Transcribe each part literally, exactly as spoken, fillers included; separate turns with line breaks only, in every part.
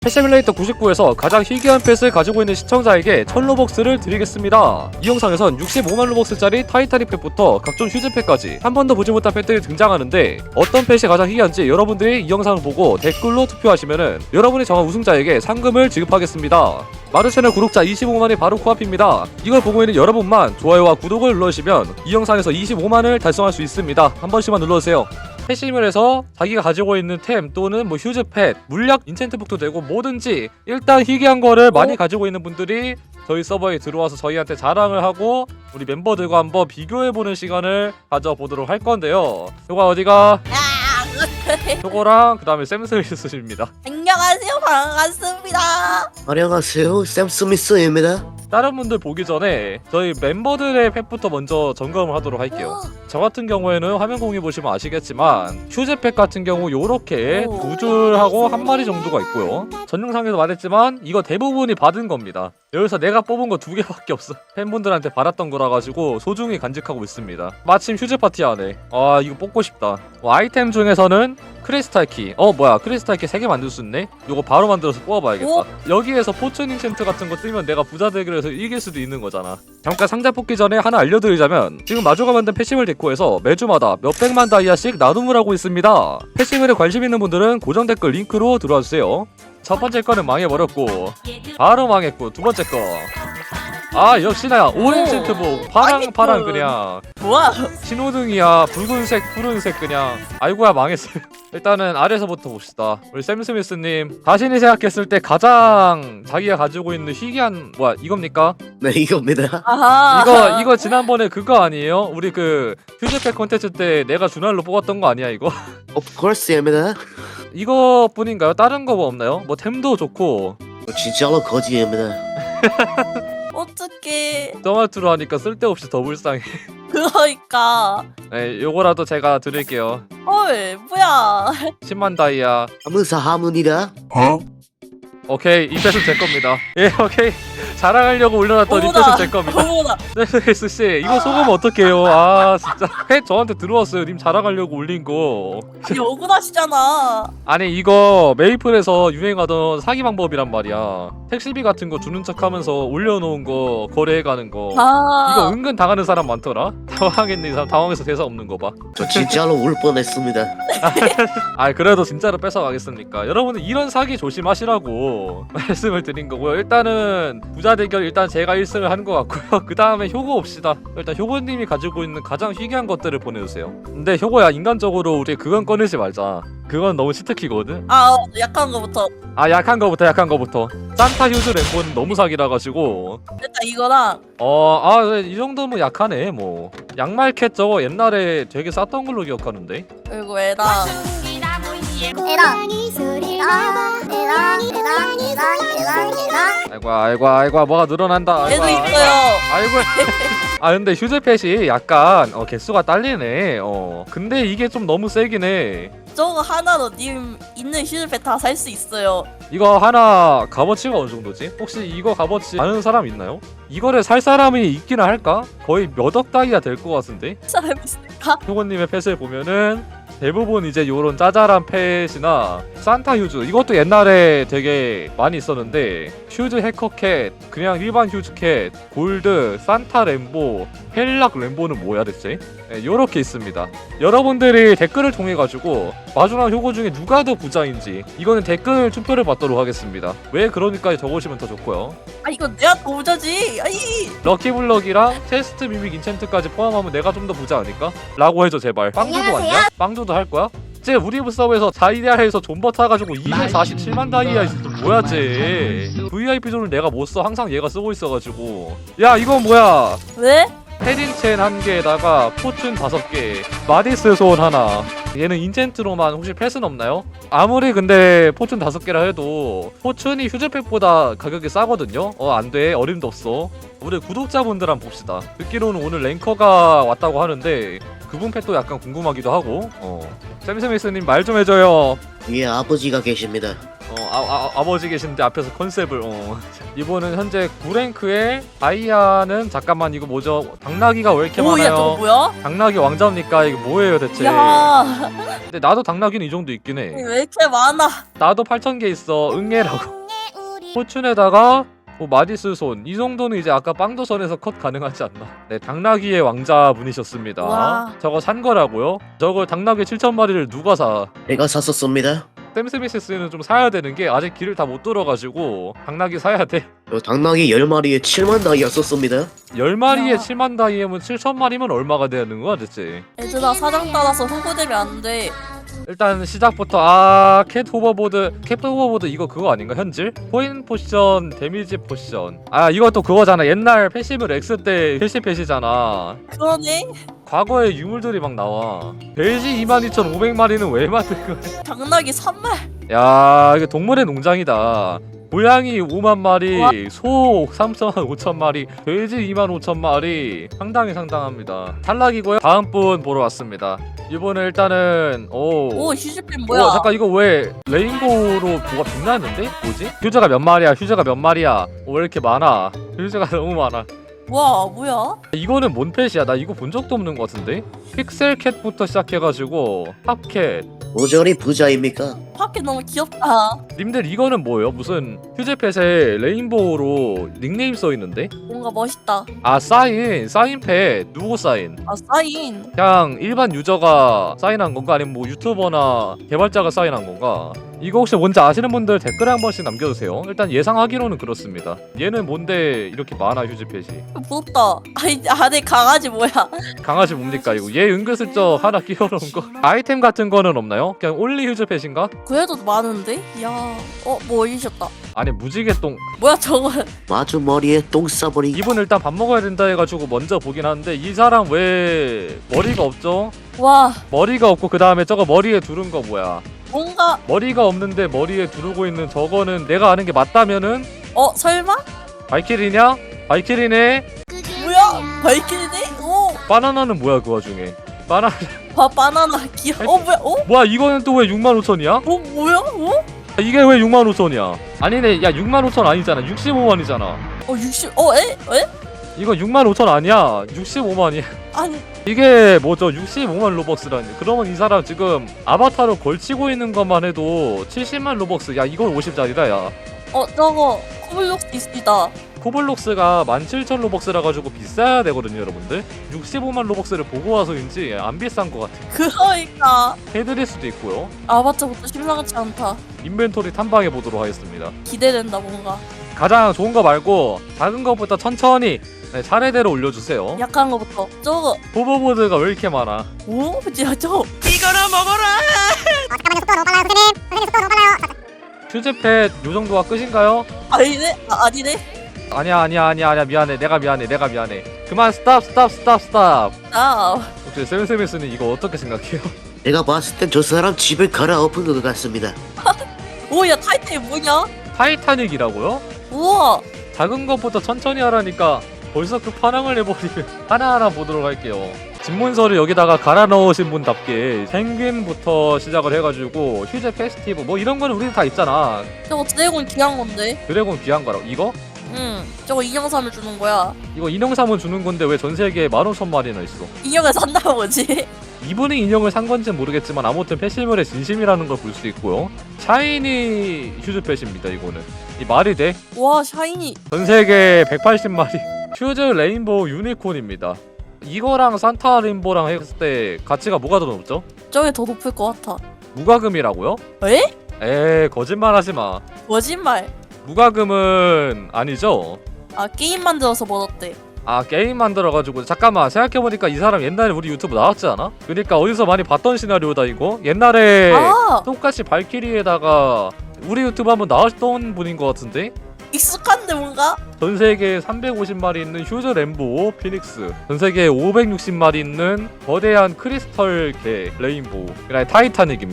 펫시뮬레이터 구십구에서 가장 희귀한 펫을 가지고 있는 시청자에게 천 로벅스를 드리겠습니다. 이 영상에선 육십오만 로벅스짜리 타이타닉 펫부터 각종 휴즈펫까지 한 번도 보지 못한 펫들이 등장하는데 어떤 펫이 가장 희귀한지 여러분들이 이 영상을 보고 댓글로 투표하시면은 여러분이 정한 우승자에게 상금을 지급하겠습니다. 마르채널 구독자 이십오만이 바로 코앞입니다. 이걸 보고 있는 여러분만 좋아요와 구독을 눌러주시면 이 영상에서 이십오만을 달성할 수 있습니다. 한 번씩만 눌러주세요. 펫시뮬에서 자기가 가지고 있는 템 또는 뭐 휴즈펫, 물약, 인챈트북도 되고 뭐든지 일단 희귀한 거를 많이 가지고 있는 분들이 저희 서버에 들어와서 저희한테 자랑을 하고 우리 멤버들과 한번 비교해보는 시간을 가져보도록 할 건데요. 요거 어디가? 요거랑 그 다음에 샘스미스입니다.
안녕하세요, 반갑습니다.
안녕하세요, 샘 스미스입니다.
다른 분들 보기 전에 저희 멤버들의 펫부터 먼저 점검을 하도록 할게요. 저 같은 경우에는 화면 공유 보시면 아시겠지만 휴즈펫 같은 경우 요렇게 두 줄하고 한 마리 정도가 있고요. 전 영상에서 말했지만 이거 대부분이 받은 겁니다. 여기서 내가 뽑은 거 두 개밖에 없어. 팬분들한테 받았던 거라 가지고 소중히 간직하고 있습니다. 마침 휴즈 파티 하네. 아 이거 뽑고 싶다. 뭐, 아이템 중에서는 크리스탈 키. 어 뭐야 크리스탈 키 세 개 만들 수 있네? 요거 바로 만들어서 뽑아봐야겠다. 오? 여기에서 포춘 인챈트 같은 거 뜨면 내가 부자 되기로 해서 이길 수도 있는 거잖아. 잠깐 상자 뽑기 전에 하나 알려드리자면 지금 마주가 만든 펫시뮬 데코에서 매주마다 몇백만 다이아씩 나눔을 하고 있습니다. 펫시뮬에 관심 있는 분들은 고정 댓글 링크로 들어와주세요. 첫 번째 거는 망해버렸고 바로 망했고 두 번째 거 아 역시나 오렌지트복 파랑 파랑 그냥
뭐야?
신호등이야. 붉은색 푸른색 그냥 아이고야 망했어요. 일단은 아래서부터 봅시다. 우리 샘스미스님 자신이 생각했을 때 가장 자기가 가지고 있는 희귀한 뭐야 이겁니까?
네, 이겁니다.
아하.
이거 이거 지난번에 그거 아니에요? 우리 그 휴즈펫 콘텐츠 때 내가 준할로 뽑았던 거 아니야 이거?
Of course입니다.
이거뿐인가요? 다른 거 뭐 없나요? 뭐 템도 좋고
진짜로 거지입니다.
어떡해.
토마토로 하니까 쓸데없이 더 불쌍해.
그러니까.
네, 요거라도 제가 드릴게요.
헐, 뭐야.
십만 다이아.
감사합니다.
오케이, 이 펫은 제 겁니다. 예, 오케이. 자랑하려고 올려놨던 이
어머나.
펫은 제 겁니다.
어머나.
네스씨 이거 속으면 어떡해요? 아, 진짜. 펫 저한테 들어왔어요. 님 자랑하려고 올린 거.
아니, 억울하시잖아.
아니, 이거 메이플에서 유행하던 사기 방법이란 말이야. 택시비 같은 거 주는 척 하면서 올려놓은 거 거래해가는 거.
아.
이거 은근 당하는 사람 많더라? 당황했네, 이 사람. 당황해서 대사 없는 거 봐.
저 진짜로 울 뻔했습니다.
아, 그래도 진짜로 뺏어가겠습니까? 여러분들 이런 사기 조심하시라고 말씀을 드린 거고요. 일단은 부자 대결 일단 제가 일 승을 한 것 같고요. 그 다음에 효고 옵시다. 일단 효고님이 가지고 있는 가장 희귀한 것들을 보내주세요. 근데 효고야, 인간적으로 우리 그건 꺼내지 말자. 그건 너무 치트키거든?
아, 어, 약한 거부터.
아, 약한 거부터 약한 거부터. 산타 휴즈 램보는 너무 사기라 가지고
일단 이거랑.
어, 아, 이 정도면 약하네. 뭐 양말캣 저거 옛날에 되게 쌌던 걸로 기억하는데.
그리고 애랑.
에랑 에랑 에랑 에랑 에랑 에랑
아이고 아이고 아이고 뭐가 늘어난다. 아이고,
애도
아이고.
있어요.
아이고. 아 근데 휴즈펫이 약간 어, 개수가 딸리네. 어. 근데 이게 좀 너무 세긴 해.
저거 하나로 님 있는 휴즈펫 다 살 수 있어요.
이거 하나 값어치가 어느 정도지? 혹시 이거 값어치 아는 사람 있나요? 이거를 살 사람이 있기는 할까? 거의 몇 억 다이아 될 것 같은데?
사람 있을까?
효고님의 펫을 보면은 대부분 이제 요런 짜잘한 펫이나 산타 휴즈 이것도 옛날에 되게 많이 있었는데 휴즈 해커캣, 그냥 일반 휴즈캣, 골드, 산타 램보, 헬락 램보는 뭐야 대체? 네, 요렇게 있습니다. 여러분들이 댓글을 통해 가지고 마주랑 효고 중에 누가 더 부자인지 이거는 댓글 투표를 받도록 하겠습니다. 왜 그러니까 적으시면 더 좋고요.
아, 이거 내가 더 부자지. 아이.
럭키블럭이랑 테스트 미믹 인챈트까지 포함하면 내가 좀 더 부자 아닐까? 라고 해줘 제발. 빵주도 왔냐? 빵주도 할 거야? 쟤 우리 서버에서 자이디아에서 존버 타가지고 이백사십칠만 다이아 있어. 뭐야 쟤. 브이아이피 존을 내가 못 써. 항상 얘가 쓰고 있어가지고. 야 이건 뭐야.
왜?
헤딩첸 한 개에다가 포춘 다섯 개, 마디스 소원 하나. 얘는 인챈트로만 혹시 펫은 없나요? 아무리 근데 포춘 다섯 개라 해도 포춘이 휴즈팩보다 가격이 싸거든요? 어 안돼 어림도 없어. 우리 구독자분들 한번 봅시다. 듣기로는 오늘 랭커가 왔다고 하는데 그분 펫도 약간 궁금하기도 하고. 어. 샘스미스님 말 좀 해줘요.
위에 아버지가 계십니다.
어, 아, 아, 아버지 계신데 앞에서 컨셉을. 어. 이번은 현재 구 랭크에 다이아는 잠깐만 이거 뭐죠? 당나귀가 왜 이렇게
오야 저거
많아요?
뭐야?
당나귀 왕자입니까? 이거 뭐예요 대체?
야
근데 나도 당나귀는 이 정도 있긴 해.
왜 이렇게 많아?
나도 팔천 개 있어. 응애라고. 포춘에다가 뭐 마디스 손. 이 정도는 이제 아까 빵도선에서 컷 가능하지 않나. 네, 당나귀의 왕자분이셨습니다.
와.
저거 산 거라고요? 저걸 당나귀 칠천 마리를 누가 사?
제가 샀었습니다.
샘스미시스는 좀 사야 되는 게 아직 길을 다 못 뚫어가지고 당나귀 사야 돼.
요 당나귀 열 마리에 칠만 다이아 썼습니다.
열 마리에
야.
칠만 다이아면 칠천 마리면 얼마가 되는 거야 대체?
얘들아 사장 따라서 홍보되면 안 돼.
일단 시작부터 아, 캣 호버보드 캣 호버보드 이거 그거 아닌가 현질? 코인 포션 데미지 포션 아 이것도 그거잖아. 옛날 패시브 X 때 패시 패시잖아.
그러네.
과거에 유물들이 막 나와. 돼지 이만 이천오백 마리는 왜 만든 거야?
당나귀 삼 말.
야 이게 동물의 농장이다. 고양이 오만 마리,
우와.
소 삼천 오천 마리, 돼지 이만 오천 마리. 상당히 상당합니다. 탈락이고요. 다음 분 보러 왔습니다. 이번에 일단은 오.
오 휴즈펜 뭐야?
어, 잠깐 이거 왜 레인보우로 뭐가 빛나는데? 뭐지? 휴즈가 몇 마리야? 휴즈가 몇 마리야? 어, 왜 이렇게 많아? 휴즈가 너무 많아.
와 뭐야?
이거는 뭔 펫이야? 나 이거 본 적도 없는 것 같은데? 픽셀캣부터 시작해가지고 팝캣.
모조리 부자입니까?
파켓 너무 귀엽다.
님들 이거는 뭐예요? 무슨 휴즈펫에 레인보우로 닉네임 써있는데?
뭔가 멋있다.
아 사인! 사인펫! 누구 사인?
아 사인.
그냥 일반 유저가 사인한 건가? 아니면 뭐 유튜버나 개발자가 사인한 건가? 이거 혹시 뭔지 아시는 분들 댓글에 한 번씩 남겨주세요. 일단 예상하기로는 그렇습니다. 얘는 뭔데 이렇게 많아 휴즈펫이?
부럽다. 아니 안에 강아지 뭐야?
강아지 뭡니까 이거? 얘 은근슬쩍 하나 끼워놓은 거? 아이템 같은 거는 없나요? 그냥 올리 휴즈펫인가?
그래도 많은데? 야, 어뭐 올리셨다.
아니 무지개똥.
뭐야 저거?
마주 머리에 똥 싸버리.
이분 일단 밥 먹어야 된다 해가지고 먼저 보긴 하는데 이 사람 왜 머리가 없죠?
와
머리가 없고 그 다음에 저거 머리에 두른 거 뭐야?
뭔가
머리가 없는데 머리에 두르고 있는 저거는 내가 아는 게 맞다면은
어 설마?
발키리냐? 발키리네.
뭐야? 발키리네? 오.
바나나는 뭐야 그 와중에? 바나
바 바나나 귀여워. 어 뭐야? 어?
뭐야 이거는 또 왜 육만 오천이야?
어 뭐야? 어?
이게 왜 육만 오천이야? 아니네 야 육만 오천 아니잖아. 육십오만이잖아.
어 육십. 어 에? 에?
이거 육만 오천 아니야. 육십오만이야.
아니
이게 뭐죠? 육십오만 로벅스라니. 그러면 이 사람 지금 아바타로 걸치고 있는 것만 해도 칠십만 로벅스. 야 이건 오십짜리다 야.
어 저거 코블록스 있습니다.
코블록스가 만 칠천 로벅스라 가지고 비싸야 되거든요 여러분들. 육십오만 로벅스를 보고 와서인지 안 비싼 것 같아.
그러니까
해드릴 수도 있고요.
아바타부터 심상치 않다.
인벤토리 탐방해 보도록 하겠습니다.
기대된다 뭔가.
가장 좋은 거 말고 작은 것부터 천천히 네, 차례대로 올려주세요.
약한 거부터. 저거
호버보드가 왜 이렇게 많아?
오? 야 저거
이거나 먹어라!
잠깐만요 속도가 너무 빨라요 선생님 선생님 속도가 너무 빨라요
휴즈펫 요 정도가 끝인가요?
아니네? 아, 아니네?
아니야 아니야 아니야 아니야 미안해 내가 미안해 내가 미안해 그만 스탑 스탑 스탑 스탑.
아
혹시 세븐세븐스는 이거 어떻게 생각해요?
내가 봤을 땐 저 사람 집을 갈아엎은 것 같습니다.
오야 타이틀이 뭐냐?
타이타닉이라고요?
우와
작은 것부터 천천히 하라니까 벌써 그 파랑을 해버리면 하나하나 보도록 할게요. 집문서를 여기다가 갈아 넣으신 분답게 펭귄부터 시작을 해가지고 휴즈 페스티브 뭐 이런 거는 우리는 다 있잖아.
저거 드래곤 귀한 건데.
드래곤 귀한 거라고. 이거?
응 저거 인형삼을 주는 거야.
이거 인형삼은 주는 건데 왜 전 세계에 만 오천 마리나 있어?
인형을 산다는 거지.
이분이 인형을 산 건지는 모르겠지만 아무튼 패시물의 진심이라는 걸 볼 수 있고요. 샤이니 휴즈펫입니다 이거는. 이 말이 돼?
와 샤이니.
전 세계 백팔십 마리. 휴즈 레인보우 유니콘입니다. 이거랑 산타 레인보우랑 했을 때 가치가 뭐가 더 높죠?
저게 더 높을 것 같아.
무과금이라고요?
에?
에이 거짓말 하지마.
거짓말.
무과금은 아니죠?
아 게임 만들어서 벌었대.
아 게임 만들어가지고 잠깐만 생각해보니까 이 사람 옛날에 우리 유튜브 나왔지 않아? 그니까 어디서 많이 봤던 시나리오다 이거? 옛날에
아
똑같이 발키리에다가 우리 유튜브 한번 나왔던 분인 것 같은데?
익숙한데 뭔가?
전세계에 삼백오십 마리 있는 휴즈 램보 피닉스, 전세계에 오백육십 마리 있는 거대한 크리스털 개 레인보우, 그다음에 타이타닉입니다.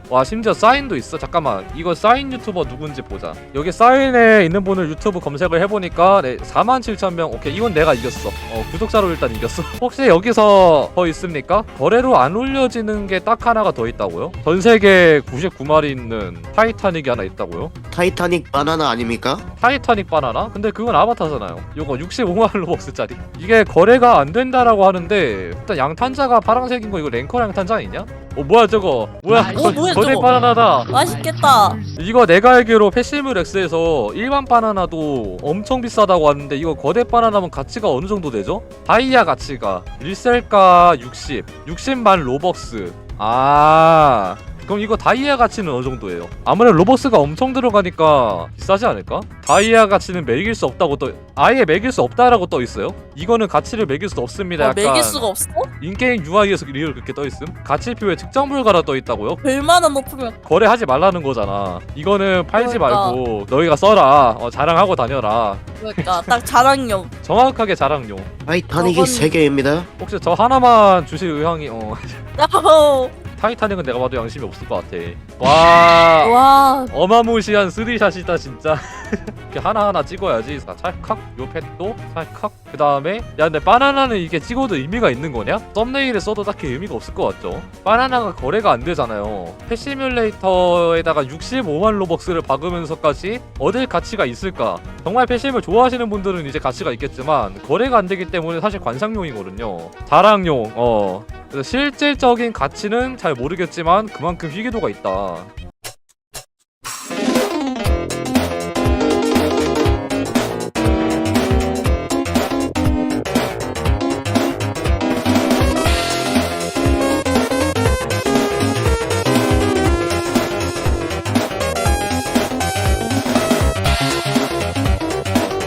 와 심지어 사인도 있어. 잠깐만 이거 사인 유튜버 누군지 보자. 여기 사인에 있는 분을 유튜브 검색을 해보니까 네, 사만 칠천 명. 오케이 이건 내가 이겼어. 어 구독자로 일단 이겼어. 혹시 여기서 더 있습니까? 거래로 안 올려지는 게 딱 하나가 더 있다고요? 전세계 구십구 마리 있는 타이타닉이 하나 있다고요?
타이타닉 바나나 아닙니까?
타이타닉 바나나? 근데 그건 아바타잖아요. 요거 육십오만 로벅스짜리. 이게 거래가 안 된다라고 하는데 일단 양탄자가 파란색인 거 이거 랭커 양탄자 아니냐? 어 뭐야 저거? 뭐야?
어, 뭐야,
거대
저거?
바나나다.
맛있겠다.
이거 내가 알기로 패시브렉스에서 일반 바나나도 엄청 비싸다고 하는데 이거 거대 바나나면 가치가 어느 정도 되죠? 다이아 가치가 리셀가 육십, 육십만 로벅스. 아 그럼 이거 다이아 가치는 어느 정도예요? 아무래도 로벅스가 엄청 들어가니까 비싸지 않을까? 다이아 가치는 매길 수 없다고 떠 아예 매길 수 없다라고 떠 있어요? 이거는 가치를 매길 수 없습니다.
어,
약간
매길 수가 없어?
인게임 유아이에서 리얼 그렇게 떠 있음? 가치표에 측정 불가라 떠 있다고요?
얼마나 높으면
거래하지 말라는 거잖아. 이거는 팔지
그러니까.
말고 너희가 써라. 어, 자랑하고 다녀라.
그러니까 딱 자랑용.
정확하게 자랑용.
타이타닉이
저건-
세 개입니다.
혹시 저 하나만 주실 의향이 어
야호.
타이타닉은 내가 봐도 양심이 없을 것 같아. 와
와.
어마무시한 쓰리샷이다 진짜. 이렇게 하나하나 찍어야지. 자, 찰칵 요 펫도 찰칵. 그 다음에 야 근데 바나나는 이게 찍어도 의미가 있는 거냐? 썸네일에 써도 딱히 의미가 없을 것 같죠? 바나나가 거래가 안 되잖아요. 패시뮬레이터에다가 육십오만 로벅스를 박으면서까지 얻을 가치가 있을까? 정말 패심을 좋아하시는 분들은 이제 가치가 있겠지만 거래가 안 되기 때문에 사실 관상용이거든요. 자랑용. 어 그래서 실질적인 가치는 잘 모르겠지만 그만큼 희귀도가 있다.